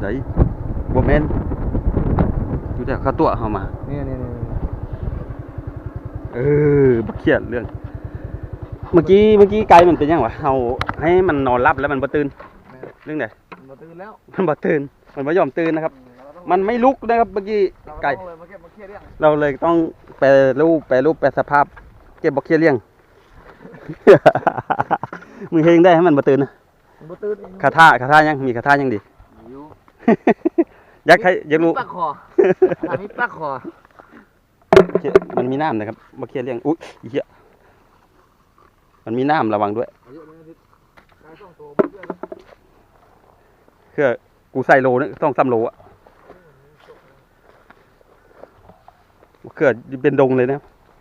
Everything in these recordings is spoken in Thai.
ไหนบ่แม่นอยู่แต่ข้าตัวเข้ามานี่บักเขียดเรื่องเมื่อกี้ไก่มันเป็นยังวะเอาให้มันนอนรับแล้วมันบ่ตื่นเรื่องไหนมันบ่ตื่นแล้วมันบ่ตื่นมันไม่ยอมตื่นนะครับมันไม่ลุกนะครับเมื่อกี้ไก่เราเลยต้องแปรรูปแปรสภาพเก็บบักเขียดเลี้ยงมือเฮงได้ให้มันบ่ตื่นนะคาถายังมีคาถายังดีอยากรู้ปักคอมีปักคอมันมีน้ำนะครับบักเขียดเลี้ยงอุ๊ยเหี้ยมันมีน้ำระวังด้วยคือกูใส่โลนึงต้อง3 โลอ่ะเกิดเป็นดงเลยนะ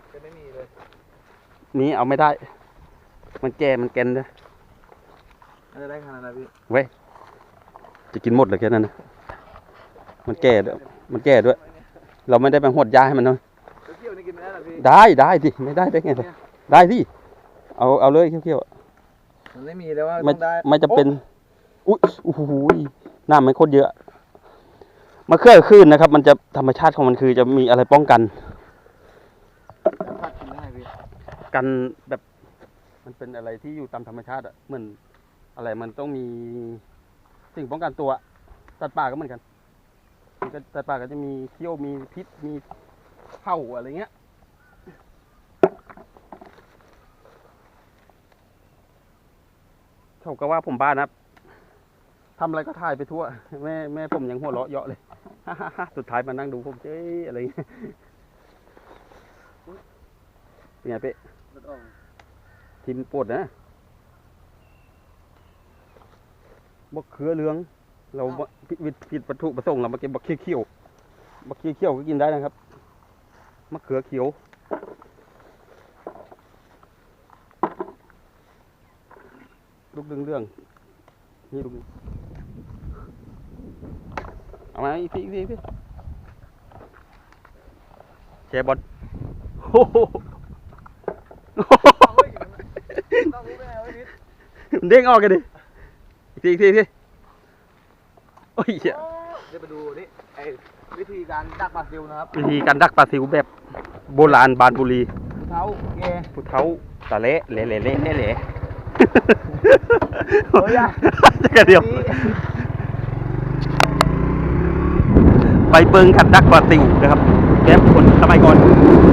มีเอาไม่ได้มันแก่มันแก่นเลยได้ขนาดไหนพี่เว้ยจะกินหมดเลยแค่นั้นนะมันแก่ด้วยเราไม่ได้ไปหดยาให้มันเนาะได้ดิไม่ได้ไงได้ดิเอาเลยเขี้ยวมันไม่มีแล้วว่าไม่จะเป็นอุ้ยโอ้โหน้ำมันโคตรเยอะมาเคลื่อนขึ้นนะครับมันจะธรรมชาติของมันคือจะมีอะไรป้องกันกันแบบมันเป็นอะไรที่อยู่ตามธรรมชาติอ่ะเหมือนอะไรมันต้องมีสิ่งป้องกันตัวสัตว์ป่าก็เหมือนกันสัตว์ป่าก็จะมีเขี้ยวมีพิษมีเห่าอะไรเงี้ยเขาก็ว่าผมบ้านะทำอะไรก็ถ่ายไปทั่วแม่ผมยังหัวเราะเยาะเลยสุดท้ายมานั่งดูผมเจ๊อะไรเงี้ยเป็นไงเป๊ะทิมปวดนะบักเขือเหลืองเราผิดวัตถุประสงค์เรามาเก็บบักเขียวก็กินได้นะครับมะเขือเขียวลูกเรื่องนี่ลูกเอามาอีกทีแชร์บอลโอ้โหเด้งออกกันดิอีกทีโอ้ยเดี๋ยวไปดูนี่วิธีการดักปลาซิวนะครับวิธีการดักปลาซิวแบบโบราณบานบุรีผู้เท้าตะเละโอ้ยจะกระเดียวไปเบิ้งขัดดักปลาซิวนะครับแบบคนสมัยก่อน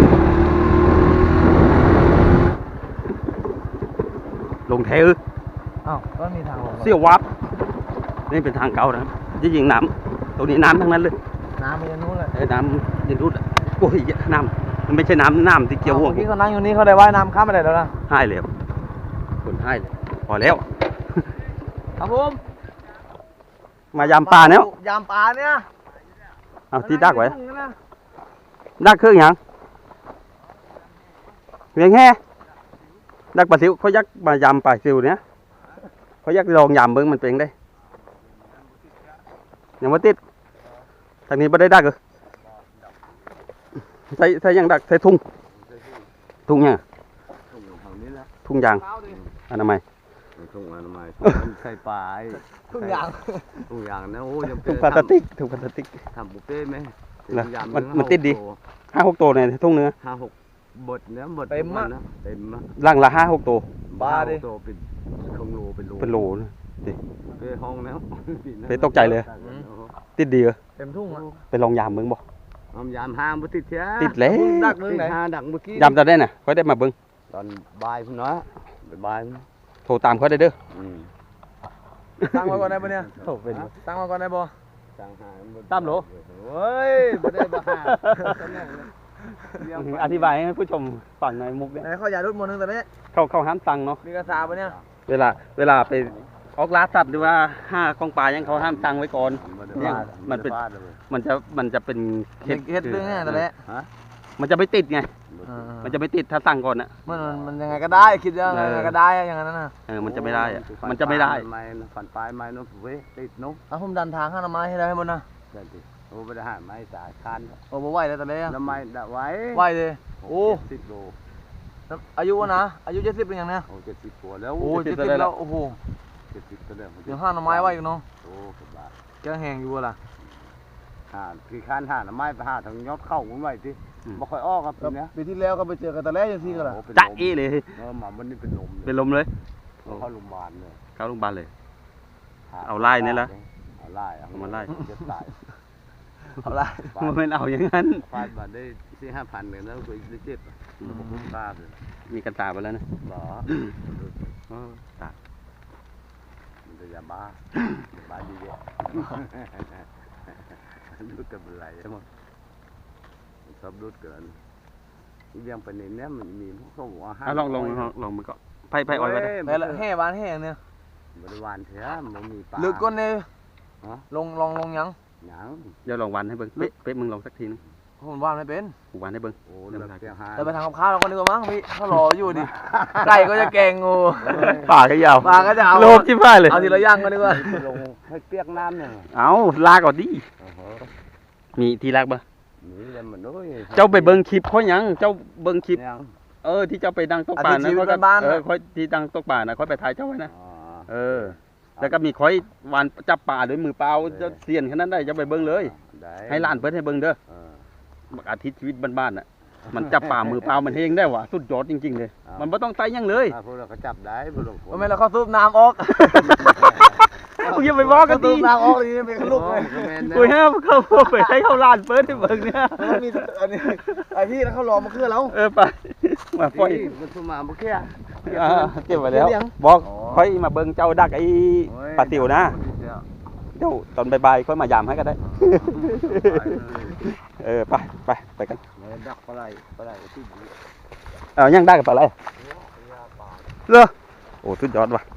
ลงแท้ก็มีทางเสี่ยววับนี่เป็นทางเก่านะครับจริงๆน้ำตรงนี้น้ำทั้งนั้นเลยน้ำมันจะนู้นเลยน้ำจะนู้นโอ้ยน้ำมันไม่ใช่น้ำที่เกี่ยวห่วงที่เขานั่งอยู่นี่เขาได้ว่ายน้ำข้ามไปได้แล้วนะให้เลยคนให้เลยพอแล้วครับผมมายามปลาเนี่ยเอาที่ดักไว้ดักเครื่องยังเพียงแค่ดักปลาซิวเขายักมายามปลาซิวเนี่ยเขายักลองยามเบิ้งมันเป็นได้ยังไม่ติดทางนี้ไม่ได้ดักเหรอใส่ยังดักใส่ทุ่งเนี่ยทุ่งยางอนามัยใส่ปลาทุ่งยางนะโอ้ยทุ่งพลาสติกทำบุฟเฟ่ไหมมันติดดี5-6 ตัวเนี่ยทุ่งเนื้อ 5-6 บดเนื้อบดเต็มล่างละ5-6 ตัวบ้าดิเป็นเป็นโลนะดิไปห้องแล้วไปตกใจเลยติดดีเหรอเต็มทุ่งไปลองยามมึงบ่ยามห้ามบ่ติดเสียติดแล้วดักมึงไหนดักเมื่อกี้ยามตอนได้น่ะค่อยได้มาเบิ่งตอนบ่ายพุ่นเนาะบ่ายโทรตามเขาได้เด้อตั้งมาก่อนได้ป่ะเนี่ยตั้งมาก่อนได้บ่ตามโหลเฮ้ยบ่ได้บ่หาอธิบายให้ผู้ชมฟังในมุกเนี่ยเขาอย่ารุดมนนึงตอนนี้เขาห้ามตังเนาะมีกระซาป่ะเนี่ยเวลาไปออกล่าสัตว์หรือว่า5 กองปลายังเขาห้ามตังไว้ก่อนเนี่ยมันจะเป็นเฮ็ดเรื่องไงตอนนี้มันจะไม่ติดไงมันจะไม่ติดถ้าสั่งก่อนอ่ะมันยังไงก็ได้คิดยังไงก็ได้อย่างนั้นนะมันจะไม่ได้อ่ะมันจะไม่ได้ฝันปลายไม้นู้นเว้ยติดนุ๊กผมดันทางข้างไม้ให้ได้ให้หมดนะโอ้ไปได้หาไม้สายคันโอ้บ่ไหวแล้วตอนนี้ทำไมได้ไหวเลยโอ้ 10 โลอายุนะอายุ70เป็นอย่างเนี้ยโอ้70 กว่าแล้วโอ้70แล้วโอ้โหจะติดตัวเดิมเดี๋ยวห้าหน่อไม้ไว้อีกเนาะโอ้กบาแกแห้งอยู่บ่ล่ะหาคือข้านหาหน่อไม้ไปหาทางยอดเข้ามันไว้สิบ่ค่อยออกครับปีเนี้ยปีที่แล้วก็ไปเจอกันแต่แรกยังซี่กันล่ะโอ้เป็นจ๊ะลมเอ้เลยหมามันนี่เป็นลมเป็นลมเลยเข้าโรงพยาบาลเลยเข้าโรงพยาบาลเลย เอาไล่เนี่ยละเอาไล่เอามาไล่จะตายเอาละมันเป็นเอาอย่างนั้นฟาดมาได้4-5,000เลยแล้วก็ได้เจ็บผมคุ้มค่าเลยมีกันตาไปแล้วนะหรอตามันจะยาบ้าดีเยอะดูกับอะไรใช่ไหมชอบดูดเกินยังไปในเนี้ยมันมีพวกเขาบอกว่าลองมือก่อนไพ่อ้อยก็ได้แต่ละแห่บ้านแห่เนี่ยบริวารเถอะมันมีปลาลึกก้นเนี่ยฮะลงยังหยังเดี๋ยวลองวันให้เบิ้งเป๊ะมึงลองสักทีนึงผมว่านไม่เป็นกูวันให้เบิ้งโอ้เลือกเสียหายแต่ไปทางกับข้าวเราก็นึกว่ามั้งพี่เขารออยู่ดิไก่ก็จะแกงงูป่าก็ยาวปลาก็จะเอาโลภที่บ้านเลยเอาทีละอย่างก็นึกว่าลงให้เปียกน้ำเนี่ยเอาลากก่อนดิโอ้โหมีที่ลากบ่นี่เลยมันด้วยเจ้าไปเบิ้งคลิปเขายังเจ้าเบิ้งคลิปยังที่เจ้าไปดังตกป่านะค่อยที่ดังตกป่านะค่อยไปถ่ายเจ้าไว้นะอ๋อแล้วก็มีค่อยวานจับป่าด้วยมือเปล่าจะเสียนขนาดนั้นได้จะไปเบิ้งเลยได้ให้ล้านเพิ่นให้เบิ้งเด้อเอออาทิตย์ชีวิตบ้านๆน่ะ มันจับป่ามือเปล่ามันเฮงได้ว่ะสุดยอดจริงๆเลย มันไม่ต้องไต่ยังเลยพวกเราก็จับได้พวกเราทำไมเราเขาซูบน้ำออกกูอย่าไปบอกกันซูดิบน้ำออกนี่เป็นลูกเลยกูห้ามเข้าไปให้เขาล้านเพิ่นให้เบิ้งเนี่ยมันมีอันนี้ไอพี่แล้วเขารอมาเคลื่อนแล้วไปมาปล่อยมันทุ่มมาเมื่อกี้เก็บไว้แล้วบอกค่อยมาเบิ้งเจ้าดักไอ้ปลาติ๋วนะเดี๋ยวตอนบ่ายๆค่อยมายามให้ก็ได้ ไปกันดักปลาไหลที่ดียังได้กับปลาอะไรเหรอโอ้สุดยอดว่ะ